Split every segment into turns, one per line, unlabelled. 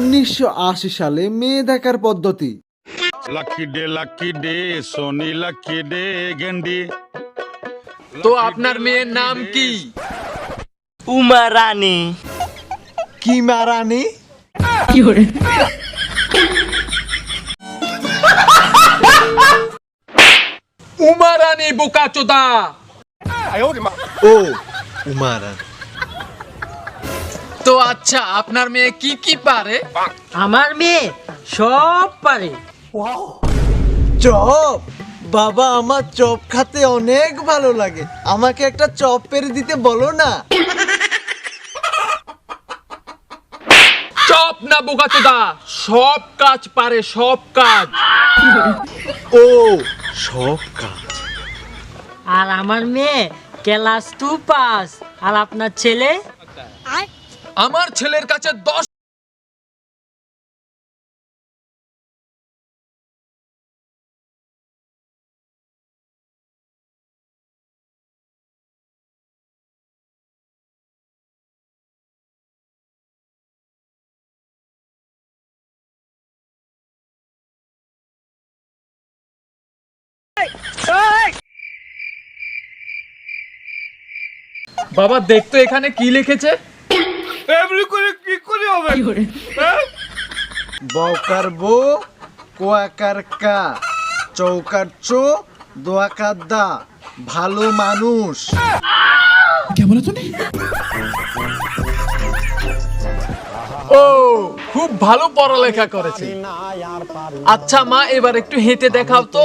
1980 সালে মেয়ে দেখার পদ্ধতি।
লাকি ডে সোনি লাকি ডে গেন্ডি।
তো আপনার মেয়ের নাম কি?
উমা রানী।
কি মারানি?
উমা রানী বোকাচোদা।
ও উমা রানী।
তো আচ্ছা, আপনার মেয়ে কি কি পারে?
আমার মেয়ে সব পারে।
চপ? বাবা, আমার চপ খেতে অনেক ভালো লাগে, আমাকে একটা চপ পেরে দিতে বলো না।
চপ না বোকাচোদা, সব কাজ পারে, সব কাজ।
ও সব কাজ।
আর আমার মেয়ে ক্লাস 2 পাস। আর আপনার ছেলে?
আমার ছেলের কাছে 10। বাবা দেখতো এখানে কি লিখেছে?
বউকার বউ, কোয়াকার কা, চৌকার চো, দোয়াকার দা, ভালো মানুষ।
ও, খুব ভালো পড়ালেখা করেছে। আচ্ছা মা, এবার একটু হেঁটে দেখাও তো।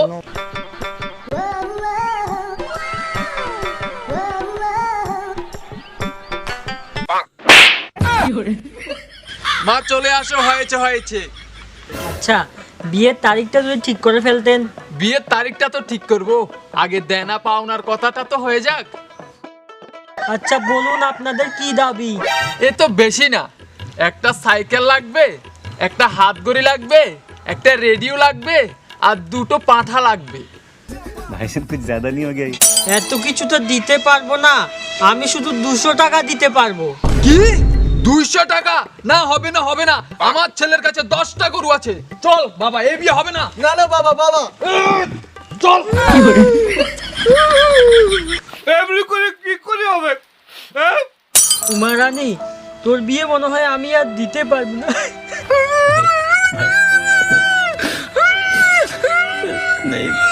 মা চলে আসো, হয়েছে হয়েছে।
আচ্ছা, বিয়ের তারিখটা যদি ঠিক করে ফেলতেন।
বিয়ের তারিখটা তো ঠিক করব, আগে দেনা পাওনার কথাটা তো হয়ে যাক।
আচ্ছা বলুন, আপনাদের কি দাবি?
এ তো বেশি না, একটা সাইকেল লাগবে, একটা হাত ঘড়ি লাগবে, একটা রেডিও লাগবে, আর দুটো পাঁঠা লাগবে।
भाई साहब कुछ ज्यादा नहीं हो गया ये?
এত কিছু তো দিতে পারবো না, আমি শুধু 200 টাকা দিতে পারবো।
কি 200 টাকা? না, হবে না হবে না, আমার ছেলের কাছে 10টা গরু আছে। চল বাবা, এই বিয়ে হবে না।
না না বাবা, বাবা
চল।
উমা রানী, তোর বিয়ে মনে হয় আমি আর দিতে পারবো না।
नहीं